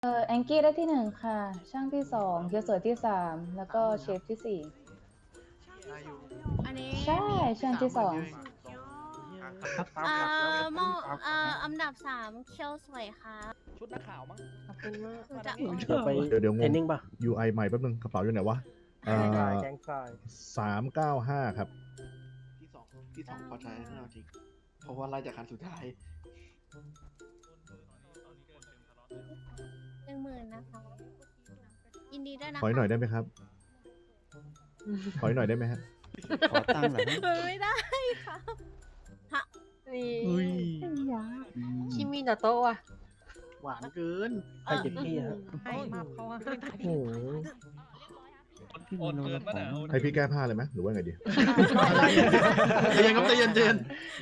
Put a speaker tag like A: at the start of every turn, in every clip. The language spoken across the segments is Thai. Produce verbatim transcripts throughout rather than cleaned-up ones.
A: เออแองกี้ได้ที่หนึ่งค่ะช่างที่สองเกียวสวยที่สามแล้วก็เชฟที่สี่
B: อันนี้
A: ใช่
B: มี
A: ช่างที่สอง
B: เอ่อมอเอ่ออันดับสามเคียวสวยค่ะ
C: ชุดนักข่าวมั้ง
D: ขอบคุณมาก
B: หนูจะ
D: เดี๋ยวไป
E: เดี๋ยวเดี๋ยวง
D: เทรน
E: ง
D: นิ่งป่ะ
E: ยู ไอ ใหม่แป๊บนึงกระเป๋าอยู่ไหนวะเอ่
D: แกงทราย
E: อ
D: แกงทราย
E: สามเก้าห้าครับ
C: ที่สองที่สองพอใจไม่เอาจริงเพราะว่าไล่จากคันสุดท้าย
B: หนึ่งหมื่นนะคะยินดีด้วยนะ
E: ขอหน่อยได้ไหมครับ ขอหน่อยได้ไหมฮะ
F: ขอตั้งค์เหรอ
B: ไม่ได้ค่ะ
D: นี่
F: อุ้ย
D: ชิมินาโตะว่ะ
C: หวานเกิน
D: ใครเก็บพี่ครับ
B: ไอ้มาเขาว่า
D: โอ้โห
F: พี่มีโนรับของ
E: ให้พี่แก้ผ้าเลยไหมหรือว่าไงดี
C: ใจเย็นครับใจเย็นใจเย็น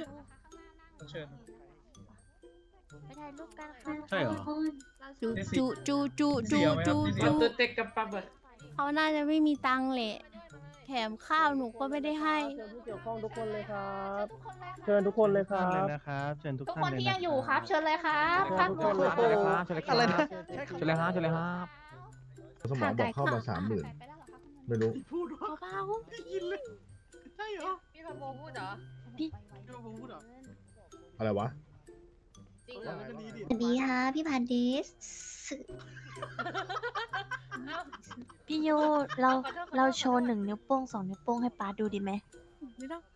B: ไปถ่ายรูปกันค่ะ
F: ใช่เหรอ
B: จูจูจูจูจูจูจู
G: เต็กกับปั๊บอะ
B: เขาน่าจะไม่มีตังค์แหละแถมข้าวหนูก็ไม่ได้ให้
D: เชิญผู้เกี่ยวข้องทุกคนเลยครับ เชิญทุกคนเลยค
F: ท่า
D: รั
F: นเลย
D: บ
F: นะครับเชิญทุก
G: ทุก
F: ท่าน
G: คน
F: เลย
G: ที่
F: นะ
G: ยังอยู่ครับ เชิญเลยครับ
D: เชิ
G: ภา
D: ญ
G: ค
D: ทุก
G: หั
D: คว นเลย
G: ค
D: ค
G: รั
D: รั
G: บบ
F: อะไรนะเชิญเลยฮะเชิญเลยฮะ
E: สมองบอกเข้ามาสามหมื่นไม่รู้
C: พูดว่า
B: เบา
C: ได้ยินเลยใช่เหรอ
G: พี่พันโบพูดเหรอ
C: พี่ว่าผมพูดเหรอ
E: อะไรวะ
G: จริง
C: เอา
G: เหรอ
C: อย่างนั้นก็ดีดิ
H: สวัสดีค่ะพี่พันดิสพี่ยูเราเราโชว์หนึ่งนิ้วโป้งสองนิ้วโป้งให้ป้าดูดีไหม
B: ๆไม่ต้อง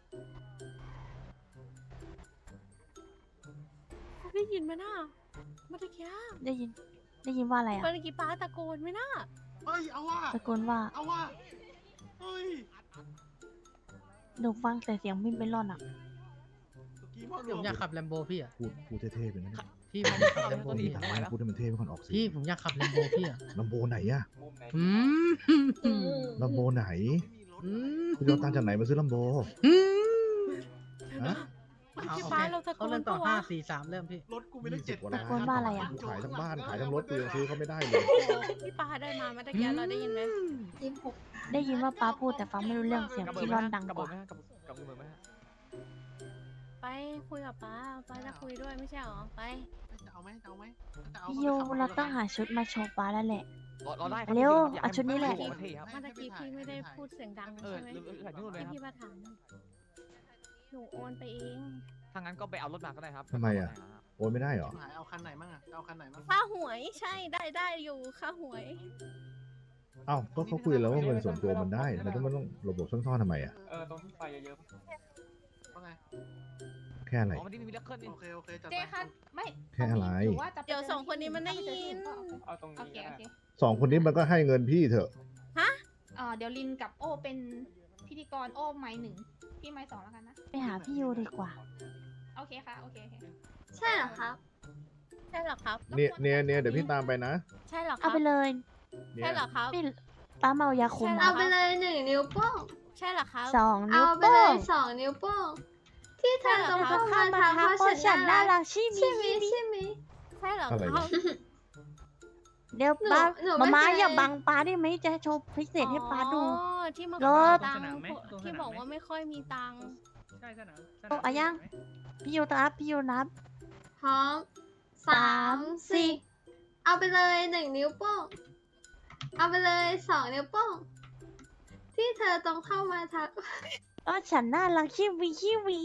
B: ได้ยินไหมน่ะเมื่อกี้
H: ได้ยิน ได้ยินว่าอะไรอ่ะ
B: เมื่อกี้ป้าตะโกนไหมน่ะ
C: เฮ้ยเอาว่า
H: ตะโกนว่า
C: เอาว่าเฮ้ย
H: หนูฟังแต่เสียงมินเป็นร่อนอ่ะ
C: เมื่อกี้พ่อ
I: ผมอยากขับแลมโบพี่อ่ะ
E: พูดพูดเท่ๆไปนะ
I: พี่ผมอยากขับแลมโบ
E: พูด
I: พี่
E: ให้พูดให้มันเท่ไปก่อนออกสิ
I: พี่ผมอยากขับแลมโบพี่อ่ะ
E: ลำโบไหนอะ
I: อืม
E: ลำโบไหน
I: อืม
E: คุณจะเอาตังค์จากไหนมาซื้อลำโบ
I: อืม
E: ฮะ
B: เมื่อ
I: เอา
B: กี้
I: โอ
B: ป้า
I: เค
B: เราตะโก
I: เขา
B: น
I: เริ่มต่อ
B: ปะวะ
I: ห้าสี่สามเริ่มพี่
C: รถกูมีตั้งเจ็ด
E: กว่า
C: แป
E: ล้า
C: ด
E: น
H: ตะโกนว่าอะไรอะ
E: ขายทั้งบ้านขายทั้งรถกูยังซื้อเขาไม่ได้เลย
B: พี่ป้าได้มาเมื่อกี้เราได้ยินไหม
H: ได้ยินว่าป้าพูดแต่ฟังไม่รู้เรื่องเสียงที่ร่อนดังกว่า
B: ไปคุยกับป้าป้าจะคุยด้วยไม่ใช่หรอไป
C: จะเอาไหมจะเอาไหมจะเอา
H: พี่ยูเราต้องหาชุดมาโชว์ป้าแล้วแหละ
F: เราได้
H: เร็วเอาชุดนี้แหละ
B: เมื่อกี้พี่ไม่ได้พูดเสียงดังใช่ไหมที่พี่มาถามหนูโอนไปเอง
F: ถ้างั้นก็ไปเอารถมาก็ได้ครับ
E: ทำไมอะ โอนไม่ได้เหรอ
C: หายเอาคันไหนมั่งอะจะเอาคันไหนมั่ง
B: ค่าหวยใช่ได้ได้อยู่ค่าหวย
E: เอ้าก็เขาคุยแล้วว่าเงินส่วนตัวมันได้ทำไมต้องไม่ต้องระบบซ่อนๆทำไมอะ
F: เออตรงที่ไฟเยอะ
C: ว่าไง
E: แค่อะไร
F: อ๋อมันนี่มีเลือกเคลื่อนนี่
C: โอเคโอเคจัด
G: เจ๊
C: ไป
G: คะไม่
E: แค่อะไร
G: หรือว่าจะไป
B: เดี๋ยวสองคนนี้มันได้ยิน
F: เอาตรง
G: โอ
F: นี้
G: เคโอเค
E: สองคนนี้มันก็ให้เงินพี่เถอะ
G: เอ่อเดี๋ยวลินกับโอเป็นพิธีกรโอไม้หนึ่งพี่ไม้สองแล้วกันนะ
H: ไปหาพี่ยูดีกว่า
G: โอเคค่ะโอเคโอเค
H: ใช่เหรอครับ
B: ใช่เหรอครับ
E: เนี่ยเนี่ยเนี่ยเดี๋ยวพี่ตามไปนะ
B: ใช่เหรอค
H: เอา
B: รับ
H: ไปเลย
E: เนี่
B: ใช่
E: ย
B: เหรอครับ
H: พี่ป้าเมายาคุม
B: ใช่
H: เหร
B: หร
H: อ
B: อ
H: ไปเลย
B: หนึ่งนิ้วโป้งใช่เหรอครับ
H: สองนิ้ว
J: เอาไป
H: โป้
J: เลย
H: ง
J: สองนิ้วโป้งที่เธอต้อง
H: ต้
J: เข้า
H: อง
J: มา
H: เข้ามา
J: ทำ
H: ทัก
J: เพ
H: เพ
J: ราะ
H: ราะ
J: ฉั
H: ฉั
J: น
H: น
J: น่า
H: น่า
J: รั
H: รั
J: ก
H: กชิมิ
J: ใช่ไหม
H: ชิมิ
J: ใช่ไหม
B: ใช่เหรอ
E: อะไร
B: ครั
E: วะ
B: บ
H: เดี๋ยว
J: หนู
H: ป้า
J: หนู
H: มา
J: ไม่
H: ม้า
J: เคย
H: อย่าบังป้าได้ไหมจะโชว์พิเศษให้ป้าดู
B: อ๋อที่มาข
H: ร
B: อ
H: ถ
B: ตังค์ที่บอกว่าไม่ค่อยมีตังค์
I: ใช่สนาม
H: โอ้อะยัง พี่ยูนับพี่ยูนับ
J: พร้อมสามสี่เอาไปเลยหนึ่งนิ้วโป้งเอาไปเลยสองนิ้วโป้งที่เธอต้องเข้ามาทัก
H: เพราะฉันน่ารักชิวิชิวิ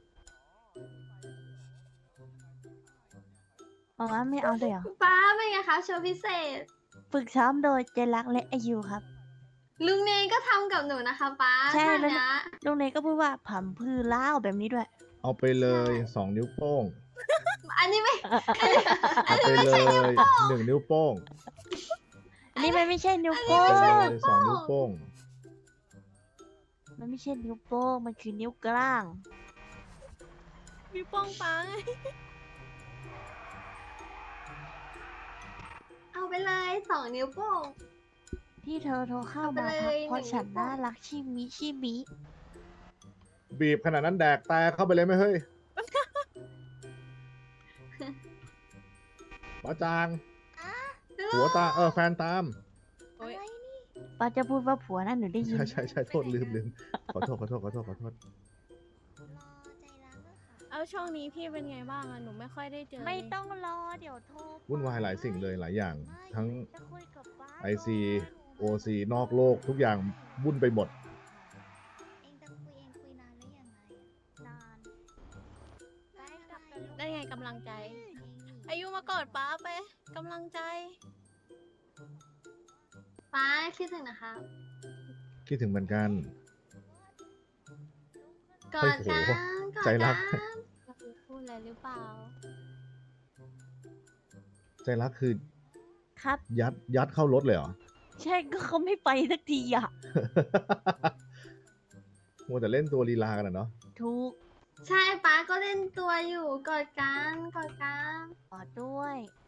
H: บอกว่าไม่เอาเลยเหรอ
J: ป้าเป็นไงคะโชว์พิเศษ
H: ฝึกซ้อมโดยเจรักและอายุครับ
J: ลุงเนยก็ทำกับหนูนะคะป้า
H: ใช่
J: ท่า
H: แล้ว
J: เนี้ย
H: ลุงเนยก็พูดว่าผัมพือเล่าแบบนี้ด้วย
E: เอาไปเลยสองนิ้วโป้ง
J: อันนี้ไม่
E: เอาไปเลยหนึ่งนิ้วโป้ง
H: อันนี้มันไม่ใช่นิ้ว
E: เอา
H: โป้
E: ไป
H: ง
E: เลยสองนิ้วโป้ง
H: มันไม่ใช่นิ้วโป้ง มันคือนิ้วกลาง
B: มีป้องปัง
J: เอาไปเลยสองนิ้วโป้ง
H: ที่เธอโทรเข้า
J: เอาไป
H: มา
J: เลย
H: ทักเพราะ
J: หนึ่ง
H: ฉัน
J: นิ้วโป้ง
H: น่ารักชิมิชิมิ
E: บีบขนาดนั้นแดกแต่เข้าไปเลยไหมเฮ้ยป้าจางหัวตาเออแฟนตาม
B: โอ๊ย
H: ป้าจะพูดว่าผัวนั่นหนูได้ยิน
E: ใช่ใช่ใช่โทษลืมลืมขอโทษขอโทษขอโทษขอโทษ
B: เอเอาช่วงนี้พี่เป็นไงบ้างอะหนูไม่ค่อยได้เจอ
H: ไม่
B: เลย
H: ต้องรอเดี๋ยวโทร
E: วุ่นวายหลายสิ่งเลยหลายอย่าง ทั้ง
H: จะคุยกับป้า
E: ไอซี โอซี นอกโลกทุกอย่างวุ่นไปหมด
H: เองจะคุยเองคุยนานหรือยังไงนานได้กลับกันลูก
B: ได้ไงกำลังใจ อายุมากอดป้าไปกำลังใจ
J: ป้าคิดถึงนะคะ
E: คิดถึงเหมือนกัน
J: กอดกัน
E: โอ้โห
J: กอด
E: ใจรัก
J: กัน
B: พูดอะไรหรือเปล่า
E: ใจรักคือ
H: ครับ
E: ยัดยัดเข้ารถเลยเหรอ
H: ใช่ก็เขาไม่ไปสักทีอ่ะ
E: มัวแต่เล่นตัวลีลากันอะเนาะ
H: ถูก
J: ใช่ป้าก็เล่นตัวอยู่กอดกันกอดกัน
H: ขอด้วย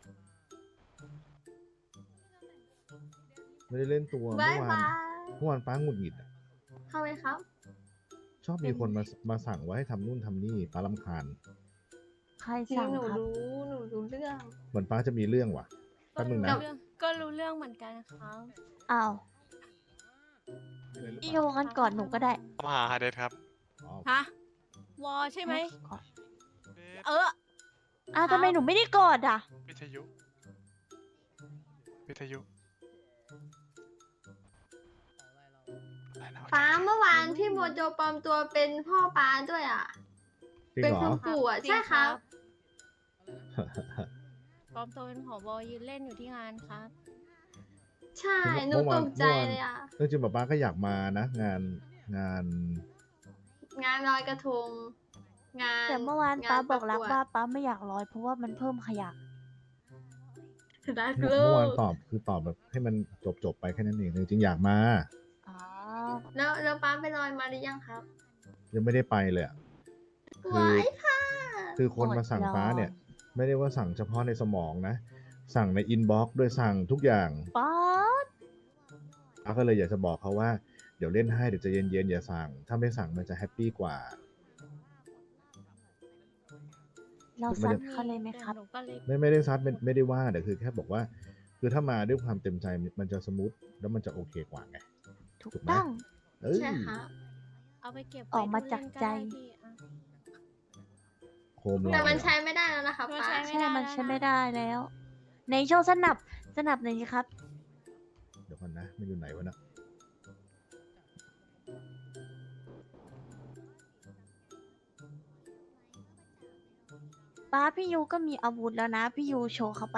E: ไม่ได้เล่นตัว
J: บา
E: เมื่
J: ย
E: อวาน
J: บาย
E: เมื่อวานป้าหงุดหงิดอะ
J: ทำไมครับ
E: ชอบมีคนมามาสั่งว่าให้ทำนู่นทำนี่ป้ารำคาญ
H: ใคร
J: จริง
H: สั่ง
J: หนู
H: ครับ
J: รู้หนูรู้เรื่อง
E: เหมือนป้าจะมีเรื่องว่ะแป๊บนึงนะ
B: ก็รู้เรื่องก็รู้เรื่องเหมือนกันครับ
H: อ้าวพี่โยกันก่อนหนูก็ได้
K: มาหาฮาเดสครับ
E: อ๋อ
B: ฮะ วอใช่ไหม
H: ก่อน
B: เออ
H: อ้าวทำไมหนูไม่ได้กอดอ่ะ
K: วิทยุ วิทยุอะไรนะ
J: ป้าเมื่อวานพี่โมโจปลอมตัวเป็นพ่อป้าด้วยอ่ะ
E: จริง
J: เป็น
E: เหรอ
J: คุณปู่อ่ะ
B: จริง
J: ใช่ครับ
B: ปลอมตัวเป็นผบยืนเล่นอยู่ที่งานครับ
J: ใช่หนู
E: เมื่อ
J: ต
E: วาน
J: กใจ
E: เมื่อวาน
J: เลยอ่ะ
E: เรื่องจริงป้าก็อยากมานะ งานงาน
J: งานลอยกระทง งาน
H: แต่เมื่อวาน
J: ง
H: ป้าบอกรัก
J: ประวด
H: ว่าป้าไม่อยากลอยเพราะว่ามันเพิ่มขยะ
J: รัก
E: เมื่อ
J: ลู
E: เมื่อวาน
J: ก
E: ตอบคือตอบแบบให้มันจบจบๆไปแค่นั้นเองจริงๆอยากมา
H: อ๋อ
J: แล้วแล้วป้าไปลอยมาหรือยังครับ
E: ยังไม่ได้ไปเลยอะ คือ
J: ว้ายค่ะ
E: คือคนมาสั่งป้าเนี่ย ไม่ได้ว่าสั่งเฉพาะในสมองนะ สั่งในอินบ็อกซ์ด้วยสั่งทุกอย่าง
H: ป้า
E: ป้าก็เลยอยากจะบอกเขาว่าเดี๋ยวเล่นให้เดี๋ยวใจะเย็นๆอย่าสั่ง ถ้าไม่สั่งมันจะแฮปปี้กว่า
H: เราซัดเขาเลยไหมครับ
B: หนูก็เลย
E: ไม่ไม่ได้ซัดไม่ไม่ได้ว่าแต่คือแค่บอกว่า คือถ้ามาด้วยความเต็มใจมันจะสมูทแล้วมันจะโอเคกว่าไง
H: ถูก
E: ถูกไหม
H: ต้อง
E: เอ้ย
J: ใช่ครับ
B: เอาไปเก็บ
H: ออกมาจากใจ
B: ไว้ดูเล่นก็ได้พี่อะ
E: โคมลอย
J: แต่มัน
E: อะ
J: ใช้ไม่ได้แล้วนะคะ
B: มัน
J: ป้า
B: ใช้
H: ใช่มันใช้ไม่ได้แล้ว ในโชว์สนับสนับหน่อยสิครับ
E: เดี๋ยวก่อนนะมันอยู่ไหนวะเนะ
H: ป้าพี่ยูก็มีอาวุธแล้วนะ พี่ยูโชว์เข้าไป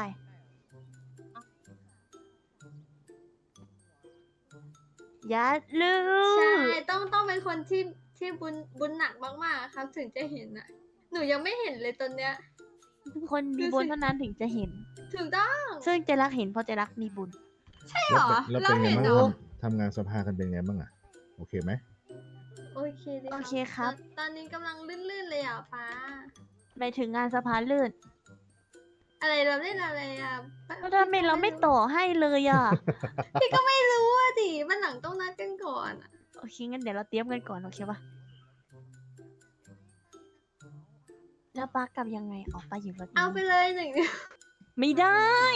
H: อย่าลื
J: ใช่
H: ม
J: ต้องต้องเป็นคนที่ที่บุญบุญหนักมากๆครับ ถึงจะเห็นอ่ะ หนูยังไม่เห็นเลยตอนเนี้ย
H: คนมีบุญเท่านั้นถึงจะเห็น
J: ถูกต้อง
H: ซึ่งเจรักเห็นเพราะเจรักมีบุญ
J: ใช่เหรอ
E: แล้วเป็นแล้วเป็นไง
J: เราเห็น
E: บ้าง
J: เหรอ
E: ทำทำงานสภากันเป็นไงบ้างอะโอเคไหม
J: โอเคดี
H: โอเคครับ
J: ตอนตอนนี้กำลังลื่นๆเลยอ่ะป้า
H: ไปถึงงานสภาลื่น
J: อะไรเราเล่นอะไรอ่ะป้า
H: แล้วทำไมเราไม่ต่อให้เลยอ่ะ
J: พี่ก็ไม่รู้อ่ะดิมันหลังต้องนัดกันก่อนอะ
H: โอเคงั้นเดี๋ยวเราเตรียมกันก่อนโอเคปะแล้วป้ากลับยังไงออกไปอยู่รถนี้
J: เอาไปเลยหนึ่ง
H: ไม่ได้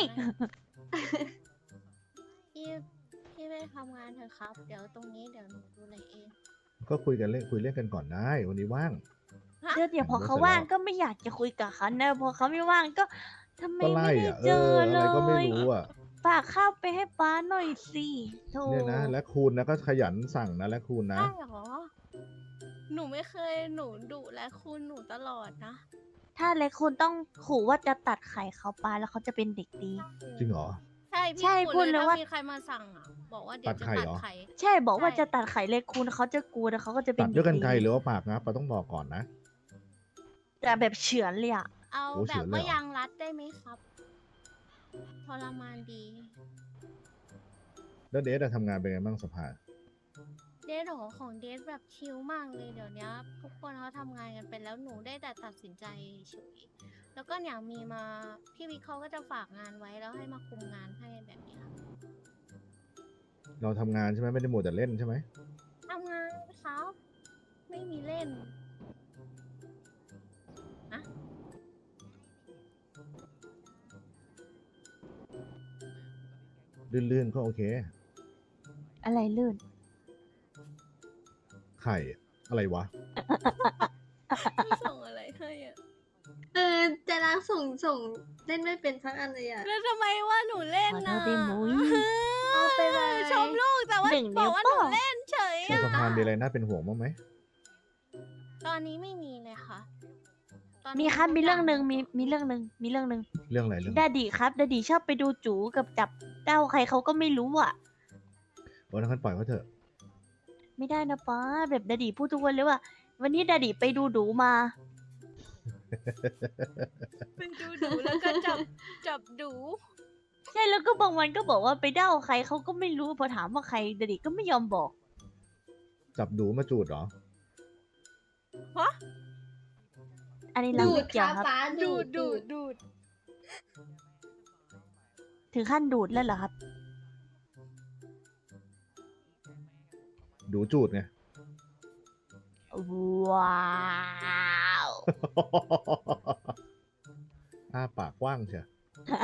B: พี่พี่ไปทำงานเถอะครับ เดี๋ยวตรงนี้เดี๋ยวหนูดูแลเอง
E: ก็คุยกันเล่นคุยเล่นกันก่อนได้ วันนี้ว่าง
H: เดี๋ยวเดี๋ยวพอเขา
E: เสร็จแล้ว
H: ว่างก็ไม่อยากจะคุยกับเขานะพอเขาไม่ว่างก็ทำไม
E: ก็
H: ไม่
E: ไล่
H: ได้
E: อะเอ
H: เจ
E: อ
H: อ
E: อะ
H: เล
E: ไรก็ไม่
H: ย
E: รู้อะ
H: ฝากข้าวไปให้ป้าหน่อยสิโธ่
E: เนี่ยนะ และคูณนะก็ขยันสั่งนะและคูณนะ
B: ได้เหรอ หนูไม่เคยหนูดุและคุณหนูตลอดนะ
H: ถ้าเล็กคุณต้องขู่ว่าจะตัดไข่เขาป้าแล้วเขาจะเป็นเด็กดี
E: จริงเหรอ
B: ใช่พี่
H: ใช่
B: พู
H: พู
B: ด
H: ด
B: เล
H: เลย ย
B: ว่า
H: ว่า
B: มีใครมาสั่งอ่ะ บอกว่าเดี๋ยว
E: ตัด
B: จะ
E: ไข่
B: ตัด
E: เหรอ
B: ไข่
H: ใช่บอกว่า
B: ใช่
H: จะตัดไข่เล็กคุณเขาจะกลัวแล้วเขาก็จะเป็น
E: ตัดด้วยกัน
H: เด็
E: ไกล
H: ดี
E: หรือว่าปากนะปาต้องบอกก่อนนะ
H: แต่แบบเฉือนเลยอะ
B: เอา
E: โอ้
B: แบ
E: เฉื
B: บ
E: อนเลย
B: ว่า
E: เหรอ
B: ยางรัดได้ไหมครับทรมานดี
E: แล้วเดทอะทำงานเป็นไงบ้างสภา
B: เดทของของเดทแบบชิลมากเลยเดี๋ยวนี้ทุกคนเขาทำงานกันไปแล้วหนูได้แต่ตัดสินใจเฉยแล้วก็อย่างมีมาพี่วิกเขาก็จะฝากงานไว้แล้วให้มาคุมงานให้แบบเนี้ย
E: เราทำงานใช่ไหมไม่ได้มัวแต่เล่นใช่ไหม
B: ทำงานครับ ไม่มีเล่น
E: ลื่นๆก็โอเค
H: อะไรลื่น
E: ไข่อะไรวะ
B: ส่งอะไรให้อ่ะ
J: ส่งส่งเล่นไม่เป็นสักอันเลยอ่ะ
B: แล้วทำไมว่าหนูเล่น
A: ขอโท
B: นะ
A: ษได้มุ้ย
J: เอาไปเลย
B: ชมลูกแต่ว่า
A: หนึ่ง
B: บ
A: นิ้
B: อก
A: ว
B: ว่าหนู
A: โป้ง
B: เล่นเฉย
E: ใน
B: อะ
E: สภามีอะไรน่าเป็นห่วงบ้างไหม
B: ตอนนี้ไม่มีเลยค่ะตอนนี้
A: มีครับ
B: ทุก
A: มีเรื่อง
B: ย่า
A: หนึ่งมีมีเรื่องหนึ่งมีเรื่องหนึ่ง
E: เรื่องอะไรเรื่อง
A: ดาดีครับดาดีชอบไปดูจูกับจับเต้าใครเขาก็ไม่รู้อ่ะ
E: โอ้ยงั้นปล่อยเขาเถอะ
A: ไม่ได้นะป้าแบบดาดีพูดทุกวันเลยว่า วันนี้ดาดีไปดูดูมา
B: ไปดูดูแล้วก็จับจับดู
A: ใช่แล้วก็บางวันก็บอกว่าไปเด้าใครเขาก็ไม่รู้พอถามว่าใครดาดีก็ไม่ยอมบอก
E: จับดูมาจูดเหรอ
B: ฮะ
A: อันนี้เรา
J: ดู
A: ไม่
J: ด
A: เกี่ยว
J: ค่ะ
A: ครับ
J: ป้า
B: ดู
J: ดู
B: ด
J: ด
B: ดู
J: ดู
B: ด
J: ด
B: ดูด
A: ถึงขั้นดูดแล้วเหรอครับ
E: ดูจูดไง
A: ว้าว
E: อ้าปากกว้างเชียว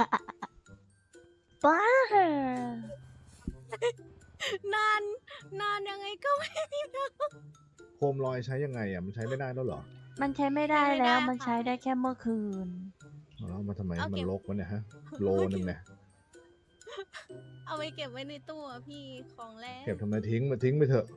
A: ป้าน
B: านนานยังไงก็ไม่มีนะ
E: โคมลอยใช้ยังไงอ่ะมันใช้ไม่ได้แล้วเหรอ
A: มันใช้ไม่ได้
B: ใช้ไม่ได้
A: แล้ว
B: ค่ะ
A: มันใช้ได้แค่เมื่อคืน
E: เอาแล้วมาทำไม
B: เอา
E: มั
B: เก็
E: น
B: บ
E: ลกวะเนี่ยฮะ โลนึงเนี่ย
B: เอาไว้เก็บไว้ในตู้อะพี่ของแรก
E: เก็บทำไมทิ้งมาทิ้งไปเถอะ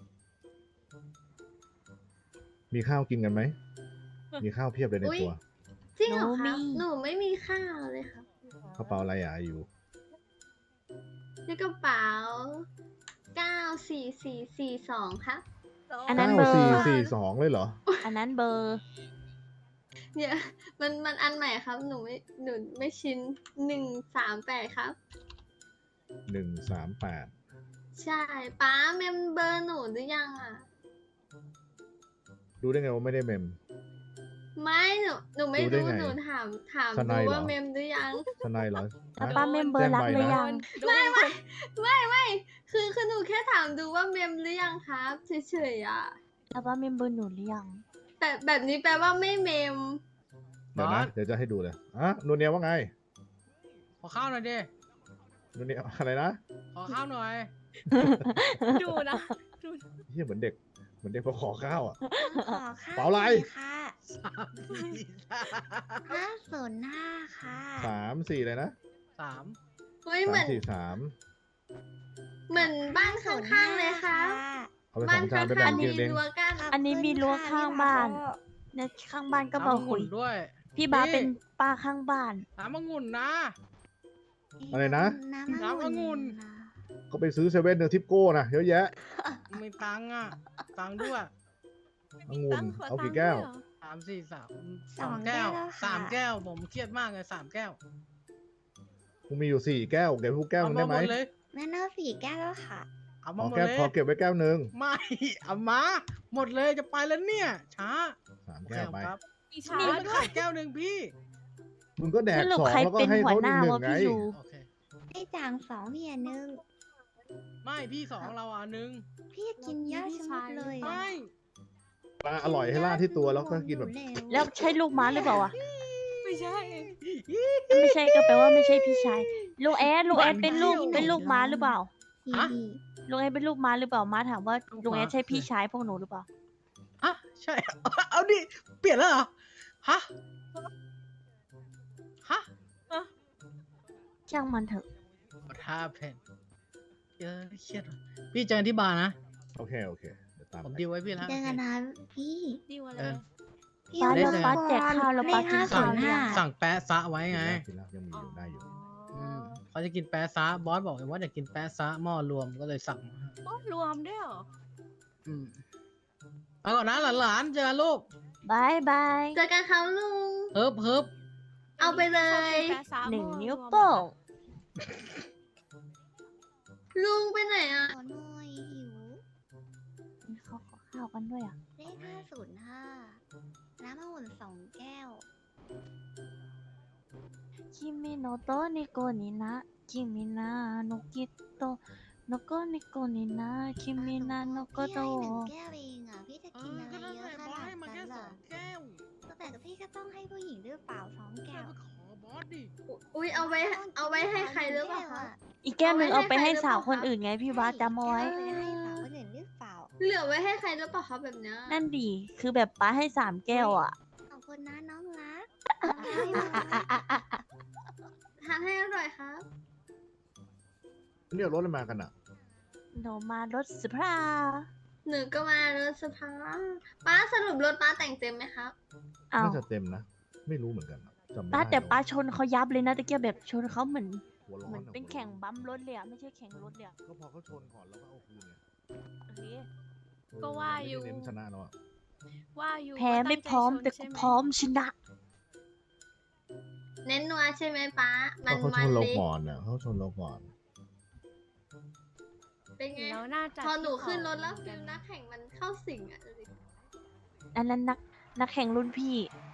E: มีข้าวกินกันไหม มีข้าวเพียบเลยใน
J: อุ๊ย
E: ตัว
J: จริงเหรอ
A: หนู
J: ค
A: มี
J: รับหนูไม่มีข้าวเลยครับ
E: กระเป๋าอะไรอ่ะอยู่
J: ในกระเป๋าเก้าสี่สี่สี่สองครับ
A: อันนั้น
E: เก้า
A: เบอร์
E: สี่สี่สองเลยเหรอ
A: อันนั้นเบอร์
J: เนี่ยมันมันอันใหม่ครับ หนูไม่หนูไม่ชินหนึ่งสามแปดครับ
E: หนึ่งสามแปด
J: ใช่ป้าเมมเบอร์หนูหรือยังอ่ะ
E: ดูได้ไงว่าไม่ได้เมม
J: ไม่หนูหนูไม่
E: รู้ได้
J: รู้
E: ไง
J: หนูถามถาม
E: ส
J: ดู
E: นายเหรอ
J: ว่าเมมหรือยัง
E: ทนายเหรอ
A: แล้ว
E: ฮะ
A: ป้าเมมเบอร์รักหรือยัง
J: ไม่ไม่ไม่ไม่คือคือหนูแค่ถามดูว่าเมมหรือยังครับเฉยๆอ่ะ
A: แล้วป้าเมมเบอร์หนูหรือยัง
J: แบบแบบนี้แปลว่าไม่เมม
E: เดี๋ยวนะ เดี๋ยวจะให้ดูเลยอ่ะนูเนียว่าไง
I: ขอข้าวหน่อยดิ
E: นูเนียอะไรนะ
I: ขอข้าวหน่อย
B: ดูนะดู
E: เฮียเหมือนเด็ก เหมือนเด็กมาขอข้าวอ่ะ
H: ขอข้าว
E: เปล่าอะไร
H: หน่ยค่ะ
I: สามสี่สาม
H: ห้าศูนย์ห้าค่ะ
E: สามสี่เลยนะ
I: สาม
J: เฮ้ย
E: สา
J: เหมื
E: ม
J: อน
E: สี่สาม
J: เหมือนบ้านข้างๆเลยครับ
E: เอาไปส
J: บ้า
E: อน งจา
J: ข้าน
E: ไปแบ่ง
J: งๆ
E: กิ
J: มี
E: นเอง
J: รั้วกั้น
A: อันนี้มีรั้วข้างบ้าน เนี่ยข้างบ้านก็บอก
I: น้ำองุ่
A: คุย
I: นด้วย
A: พี่บ้าส
I: นี่
A: เป็นป้าข้างบ้าน
I: น้ำองุ่นนะ
E: อะไรนะ
I: น้ำองุ่น
E: ก็ไปซื้อเซเว่นเนอร์ทิปโก้นะเยอะแยะ
I: มีตังค์อ่ะ ตังค์ด้วย
E: องุ่น
B: ตั้งข
E: เอา
B: ตั
E: กี่
B: งค์
E: แก้ว
B: ด้วยเหรอ
I: สามสี่สาม
H: สองแก้วแล้วค่ะ
I: สามแก้ว ผมเครียดมากเลยสามแก้ว
E: กูมีอยู่สี่แก้วเก็บทุกแก้วห
I: เอา
E: นึง
I: มา
E: ได้ไหม
I: หมดเลย
H: แม่เนอสี่แก้วแล้วค่ะ
I: เอา
E: ข
I: มา
E: อ
I: หมด
E: แก้ว
I: เลย
E: ขอเก็บไว้แก้วหนึ่ง
I: ไม่ เอามา หมดเลยจะไปแล้วเนี่ย ช้า
E: สามแก้วไป
I: ครับ
B: มีช้า
I: นี่มัน
B: ด้ว
I: ขาย ยแก้วหนึ่งพี่
E: มึงก็แดก
A: สรุป
E: สอง
A: ใคร
E: แล้วก็
A: เป็น
E: ให้
A: หัว
E: เขา
A: ห
E: อี
A: น้าก
E: หนึ่
A: วะ
E: งไง
A: พี่ยู
I: โอเค
H: พี่จางสองพี่อันหนึ่ง
I: ไม่พี่สองเราอ่ะหนึ่ง
H: พี่กินเยอะชะมัดเลย
I: ไม่
E: ปลาอร่อยให้ล่าดที่ตัวแล้วก็กินแบบ
A: แล้วใช่ลูกม้าหรือเปล่าอ่ะ
B: ไม่ใช่
A: ไม่ใช่ก็แปลว่าไม่ใช่พี่ชาย ลูกแอดลูกแอดเป็นลูกเป็นลูกม้าหรือเปล่า
H: พี่
I: ฮะ
A: ลุงแอดเป็นลูกม้าหรือเปล่าม้าถามว่าลุงแอดใช่พี่ชายพวกหนูหรือเปล่า
I: ฮะใช่ เอาดิ เปลี่ยนแล้วเหรอ ฮะ ฮะ
A: ช่างมันเถอะ
I: What happened เออเครียดว่ะพี่เจอกันที่บาร์นะ
E: โอเคโอเคเดี๋ยวตาม
I: ผม
E: ไป
I: ดีลไว้พี่แล้ว
H: เจอกันนะพี่
B: ดีกว่าเล
I: เอย อ
H: พี่
A: ป้า
I: ได้
A: แล้ว
I: เจอ
A: ป้าแจกข้าวแล้วป้ากิน
H: ห้า
A: ข้า
H: ศู
A: วน
H: ย์
A: หรือ
H: ห้า
A: ยัง
I: สั่งแปะซะไว้ไง
E: กินแล้วกินแล้วยังมีอยู่ได้อยู่
I: อืมเขาจะกินแปะซะบอสบอกว่าอยากกินแปะซะหม้อรวมก็เลยสั่งมาให้
B: โอ้รวมด้วยเหรอ
I: อืมเอาก่อนนะหลานๆเจอกันลูก
A: บายบาย
J: เจอกันครับลุง
I: เฮิบเฮิบ
J: เอาไปเลย
B: แปะซะ
A: หนึ่ง
B: โม่
A: นิ้ว
B: รม
A: โป้ง
J: ลุงไปไหนอ่ะ
H: ขอหน่อยหิว
A: เขาขอข้าวกันด้วยอ่ะ
H: เลขห้าศูนย์ห้าน้ำองุ่นสองแก้ว
A: คิมิโนโตะนิโกนินะคิมินาโนกิโตะโนโกนิโกนินะคิมินาโนโก
H: พี่
A: โต
H: ให้หนึ่ง
A: ะ
H: แก้วเองอ่ะ พี่จะ
I: เอ
H: กิน
I: อ
H: อะไร
I: ก็นั่น
H: เย
I: แห
H: อะ
I: ละ
H: ข
I: บอส
H: นาด
I: ให้มา
H: นั้
I: แค่
H: น
I: ส
H: ล่ะ
I: องแก้ว
H: แต่พี่ก็ต้องให้ผู้หญิงด้วยเปล่าสอง
I: แก
H: แก้ว
I: ไปขอบอสดิ
J: อุ้ยเอาไว้เอาไว้ให้ใครหรือเปล่าคะ
A: อีกแก้วหนึ่ง
J: เอา
A: เอา
J: ไว้
A: ไป
J: ให้
A: ให้
J: ใคร
A: สาว
J: หรือเปล่า
A: คนอื่นไงพี่บาสจำเอาไว้
H: เออให้สาวคนอื่นหรือเปล่า
J: เหลือไว้ให้ใครหรือเปล่าคะแบบเนี้ย
A: นั่นดีคือแบบป้าให้สามแก้วอ่ะ
H: ขอบคุณนะน้องรัก
J: ให้หน่อยทานให้อร่อยครับ
E: เนี่ยรถอะไรมากันอ่ะ
A: หนูมารถสภา
J: หนูก็มารถสภาป้าสรุปรถป้าแต่งเต็มไหมครับ
A: อ้าว
E: น่าจะเต็มนะ ไม่รู้เหมือนกันอะจำไม่
A: ป้า
E: ได้
A: แต่
E: แล้ว
A: ป้าชนเขายับเลยนะตะเกียบแบบชนเขาเหมือน
E: หัวร้อ
A: เหมือน
E: อะ
A: เป็น
E: หัวร้อ
A: แข่งบัมป์รถเลยอะไม่ใช่แข่งรถเลยอะ
E: ก็พอเขาชนก่อนแล้วก็เอาคืนไง
A: โอเค
B: ก็ว่าอยู่
E: ไม่ได้เน้นชนะแล้วอะ
B: ว่าอยู่
A: แพ้
B: ว่า
A: ไม่
B: ตั้งใจ
A: พร้อม
B: ชน
A: แต่
B: ใช่
A: กู
B: ไห
A: พร้อมชนะ
J: เน้นนัวใช่ไหมป้า มัน
E: ก็เขาช
J: มัน
E: นเรา
J: เละ
E: ก่อนอ่ะเขาชนเราก่อน
J: เป็นไง
B: แล้วน่าจะ
J: พอหนูขึ้นรถ
B: ที่
J: แล้ว
B: เขา
J: ฟิลนักแข่งมันเข้าสิงอ่ะดูดิ
A: อันนั้นนักนักแข่งรุ่นพี่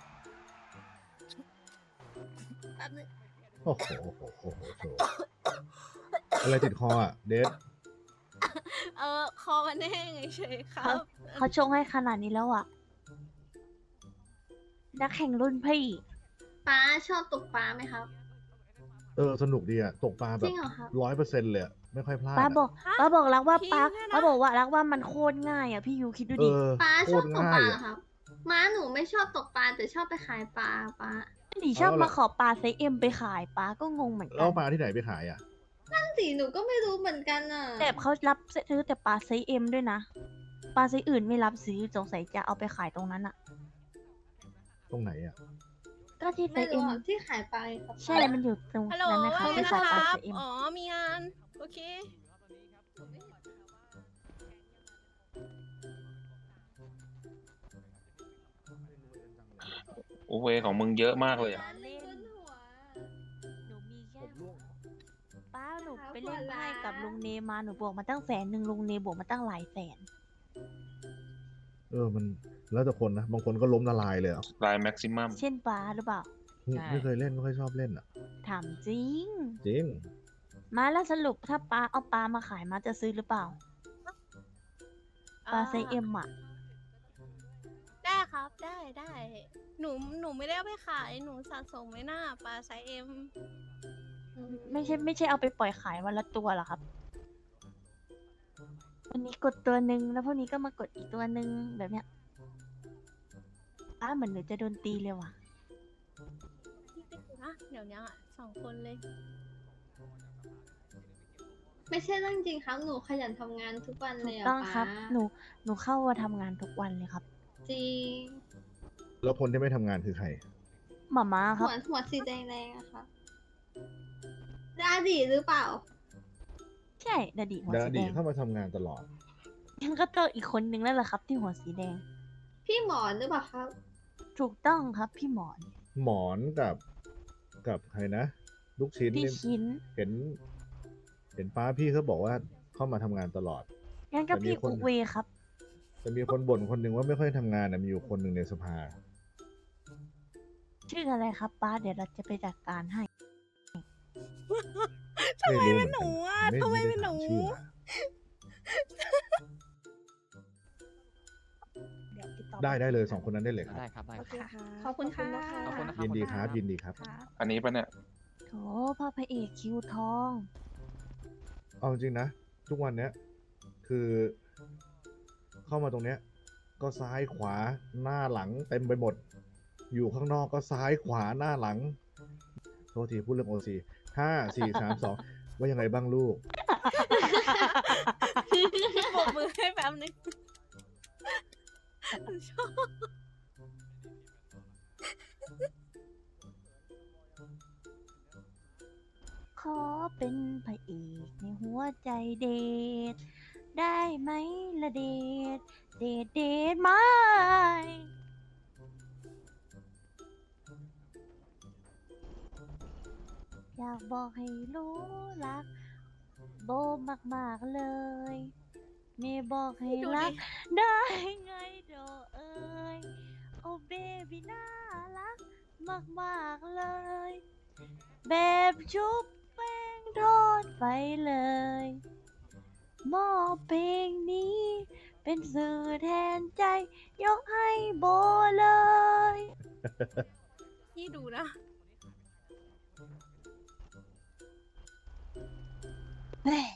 J: แป๊บนึง
E: โอ้โหโอ้โหโอ้โหโอ้โหอะไรติดคออ่ะ เดฟ
B: เออคอมันแห้งเฉยๆครับ
A: เขาชงให้ขนาดนี้แล้วอะนักแข่งรุ่นพี่
J: ป้าชอบตกปลาไหมครับ
E: เออ สนุกดีอ่ะ ตกปลาแบ
J: จ
E: บ
J: ริงเหรอครับ
E: ร้อยเปอร์เซ็นต์เลยอะไม่ค่อยพลาด
A: ป้า
E: อะ
A: บอกป้าบอกรักว่า
B: พี่
A: ป้า
B: เนี่ยนะ
A: ป้าบอกว่ารักว่ามันโคตรง่ายอะพี่ยูคิดดู
E: เอ
A: ดิ
E: อ
J: ป้า
E: โค
J: ชอ
E: ต
J: บ
E: ร
J: ตก
E: ง่า
J: ปลาย เหร
E: อ่ะ
J: อครับ ม้าหนูไม่ชอบตกปลาแต่ชอบไปขายปลาป้า
A: ดิชอบ
E: เอาล่ะ
A: มาขอปลาไซส์เอ็มไปขายป้าก็งงเหมือนกั
E: แล้ว
A: น
E: ปลาที่ไหนไปขายอ่ะ
J: นั่นสิหนูก็ไม่รู้เหมือนกันอ่ะ
A: แต่เขารับซื้อแต่ปลาไซส์เอ็มด้วยนะปลาไซส์อื่นไม่รับซื้อสงสัยจะเอาไปขายตรงนั้นอะ
E: ตรงไหนอ่ะ
A: ก็ที่ไซ
J: ไม่
A: ส์เอ็
J: รู้
A: ม
J: อะที่ขายปลาครับ
A: ใช่ มันอยู่ตรง
B: ฮัลโหล
A: นั้นนะคะ
B: ว่าไง
A: ที่
B: นะ
A: ขาย
B: ค
A: ปลา
B: รั
A: ไซ
B: บ
A: ส์เอ็ม
B: อ๋อ มีงาน โอเค
L: โอเวของมึงเยอะมากเลยอ่ะ
A: เล่น
J: ขึ้นหัว
A: หนูมีแค่
E: ผมร่วง
A: ป้าหนู
J: หา
A: ไปเล่น
J: หัว
A: ไพ่
J: ล้าน
A: กับลุงเนมาหนูบวกมาตั้งแสนหนึ่งลุงเนบวกมาตั้งหลายแสน
E: เออ มันแล้วแต่คนนะ บางคนก็ล้มละลายเลยอ่ะ
L: ลายแม็กซิมัม
A: เช่นป้าหรือเปล่า
F: ใช่
E: ไม่เคยเล่นไม่ค่อยชอบเล่นอ่ะ
A: ถามจริง
E: จริง
A: มาแล้วสรุปถ้าป้าเอาปลามาขายมาจะซื้อหรือเปล่าปลาไซส์เอ็มอะ
B: ได้ครับ ได้ได้ หนู หนูไม่ได้เอาไปขาย หนูสะสมไว้หน้าปลาไซส์เอ็ม
A: ไม่ใช่ไม่ใช่เอาไปปล่อยขายวันละตัวเหรอครับ วันนี้กดตัวหนึ่งแล้วพวกนี้ก็มากดอีกตัวหนึ่งแบบเนี้ยป้าเหมือนหนูจะโดนตีเลยว่ะ
B: นะ เดี๋ยวนี้อ่ะสองคนเลย
J: ไม่ใช่เรื่องจริงครับ หนูขยันทำงานทุกวัน
A: ถู
J: เลย
A: ก
J: อะ
A: ต้องครับ
J: ป้า
A: หนูหนูเข้ามาทำงานทุกวันเลยครับ
J: จริง
E: แล้วคนที่ไม่ทำงานคือใคร
A: หมาม้าค
J: หั
A: รับ
J: วหัวสีแดงๆอะค่ะดาดีหรือเปล่า
A: ใช่ดาดีหัว
E: ดา
A: สี
E: ดี
A: แดง
E: เข้ามาทำงานตลอด
A: ยังก็ต้องอีกคนนึงแล้วแหละครับ ที่หัวสีแดง
J: พี่หมอนหรือเปล่าครับ
A: ถูกต้องครับพี่หมอน
E: หมอนกับกับใครนะ ลูกชิ้น
A: พี่
E: นี่
A: ชิ้น
E: เห็น เห็นป้าพี่เขาบอกว่าเข้ามาทำงานตลอด
A: งั้นก็
E: แต่มี
A: พี่
E: คน
A: อุเวครับ
E: แต่มีคนบ่นคนหนึ่งว่าไม่ค่อยทำงานนะมีอยู่คนหนึ่งในสภา
A: ชื่ออะไรครับป้าเดี๋ยวเราจะไปจัดการให้
B: ทำไม
E: รู้
B: เป็นหนูอ่ะ
E: มือกั
B: ทำไม
E: ด้
B: เป็นหนู
E: ถาชื่อมา
A: เดี๋ยวติดต่อ
E: ได้ได้เลยสองคนนั้นได้เลยครับ
F: ได้ครับ ได้
A: โอ
F: ค
A: เครับ
G: ขอบคุณค่ะ
F: ขอบคุณนะครับ
E: ยินดีครับ ยินดีครับ
L: อันนี้ปะเนี่ย
A: โถพ่อพระเอกคิวทอง
E: เอาจริงๆนะ ทุกวันเนี้ย คือ เข้ามาตรงเนี้ย ก็ซ้ายขวาหน้าหลังเต็มไปหมด อยู่ข้างนอกก็ซ้ายขวาหน้าหลัง โทษทีพูดเรื่องโอซีห้าสี่สามสองว่ายังไงบ้างลูก
B: ปรบมือให้แป๊บนึงชอบ
A: ขอเป็นพระเอกในหัวใจเดทได้ไหมละเดทเดทเดทไหมอยากบอกให้รู้รัก โบมากๆเลยไม่บอกให้
B: ดู
A: รั
B: ดิ
A: ก ได้ไงโดเอ้ยโอ้เบบี้น่ารักมากๆเลย แบบชุบแป้งทอดไปเลยมอบเพลงนี้ เป็นสื่อแทนใจ ยกให้โบเลย
B: พี่ดูนะ
A: เฮ้ย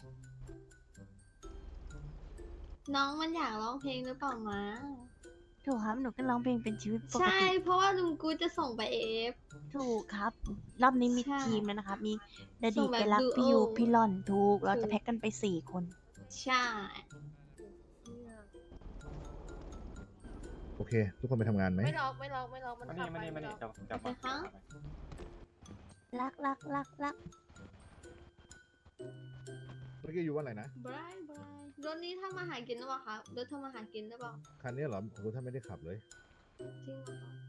J: น้องมันอยากร้องเพลงหรือเปล่ามา
A: ถูกครับ หนูก็ร้องเพลงเป็นชีวิตปก
J: ใช่
A: ติ
J: เพราะว่าลุงกูจะส่งไปเอฟ
A: ถูกครับ รอบนี้มี
J: ใช่
A: ทีมแล้วนะครับ มีดา
J: ส่
A: ดี
J: งแบบ
A: ไปรัก
J: ดู
A: พี่ยู
J: โอ
A: พี่หล่อนถูก เรา
J: ถู
A: จะ
J: ก
A: แพ็กกันไปสี่คน
J: ใช่
E: โอเค ทุกคนไปทำงานไหม
F: ไม่ล็อกไม่ล็อกไม่ล็อกมันขับไปไม่ล็อก
J: โอเคครับ
A: รักรักรักรัก
E: เมื่อกี้อยู่ว่าอะไรนะ
J: บรายบรายรถนี้ทำอาหารกินหรือเปล่าครับรถทำอาหารกินหรือเปล่า
E: คันนี้เหรอโอ้โหถ้าไม่ได้ขับเลย
J: จริงเหรอคะ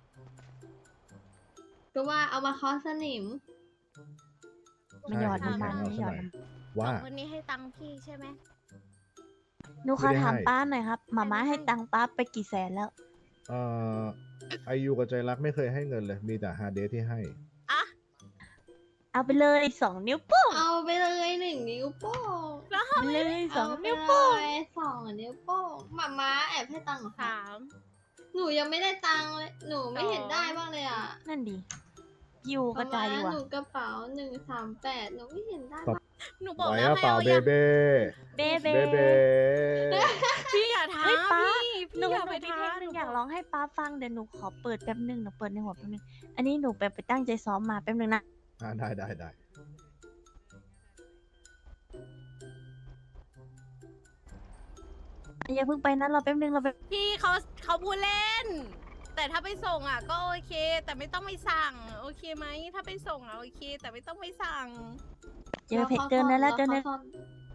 J: ก็ว่าเอามาเคอสนิม
A: มันหยอด
E: ใช่
A: น้ำมัน
E: เอา
A: มัน
E: ซะ
A: หยอ
E: ห
A: ด
E: น่อย
A: น้ำ
E: ว่า
B: สองคนนี้ให้ตังค์พี่ใช่ไหม
A: หนูขอ
E: ไม่ได้
A: ถาม
E: ให้
A: ป้าหน่อยครับหมาม้าให้ตังค์ป้าไปกี่แสนแล้ว
E: เอ่อไอยูกับใจรักไม่เคยให้เงินเลย มีแต่ฮาเดทที่ให้
A: เอาไปเลยสองนิ้วโป้ง
J: เอาไปเลยหนึ่งนิ้วโป้ง
A: เอาไปเลยสอง
J: เอาไป
A: นิ้ว
J: เล
A: โป้ง
J: ยสองนิ้วโป้งหมาม้าแอบให้ตังค์เหรอคะ
B: สาม
J: หนูยังไม่ได้ตังค์เลย หนูไม่เห็นได้บ้างเลยอ่ะ
A: นั่นดิยูกระจายดีกว่า
J: หนูกระเป๋าหนึ่งสามแปดหนูไม่เห็นได้
E: ครับ
J: บ้าง
B: หนูบอก
E: ไหว
B: แล้ว
E: อะ
B: ให้
E: เปล่า
B: เอา
E: เบ
B: ยัง
E: เบ้
A: เบเบ
E: เบเบ้
B: พี่อย่าท้า
A: เฮ้ยป้า
B: พี่
A: หนู
B: พี่อย่า
A: หนู
B: ไป
A: มี
B: ท้า
A: เพลงหนึ่ง
B: หนู
A: อยาก
B: บ
A: ร้องให้ป้าฟังเดี๋ยวหนูขอเปิดแป๊บหนึงหนูเปิดในหัวแป๊บนึง อันนี้หนูไปไปตั้งใจซ้อมมาแป๊บนึงนะ
E: อ่าได้ได้ได้
A: อย่าเพิ่งไปนะรอแป๊บนึงเราไป
B: พี่เขาเขาพูดเล่น แต่ถ้าไปส่งอ่ะก็โอเค แต่ไม่ต้องไปสั่ง โอเคไหมถ้าไปส่งอ่ะโอเค แต่ไม่ต้องไปสั่ง
A: เจอเพจเจอเนื้อแล้วเจอเนื้อ
J: ขาซ่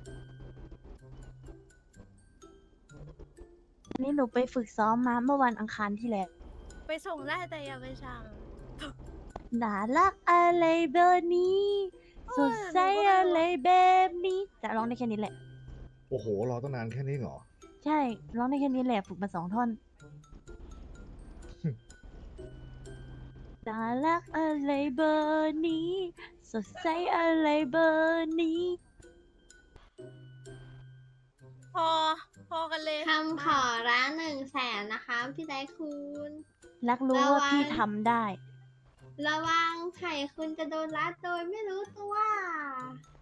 A: อันนี้หนูไปฝึกซ้อมมาเมื่อวันอังคารที่แล้ว
B: ไปส่งได้แต่อย่าไปสั่ง
A: น่ารักอะไรแบบนี้สดใสอะไรแบบนี้จะร้องได้แค่นี้แหละ
E: โอ้โห รอตั้งนานแค่นี้เหรอ
A: ใช่ร้องได้แค่นี้แหละฝึกมาสองท่อน น่ารักอะไรเบอร์นี้ สดใสอะไรเบอร์นี้
B: พอ พอกันเลย
J: คำขอร้านหนึ่งแสนนะคะพี่ไดคุณ
A: รักรู้
J: ระวั
A: ว่าง พี่ทำได้
J: ระวังไข่คุณจะโดนรัดโดยไม่รู้ตัว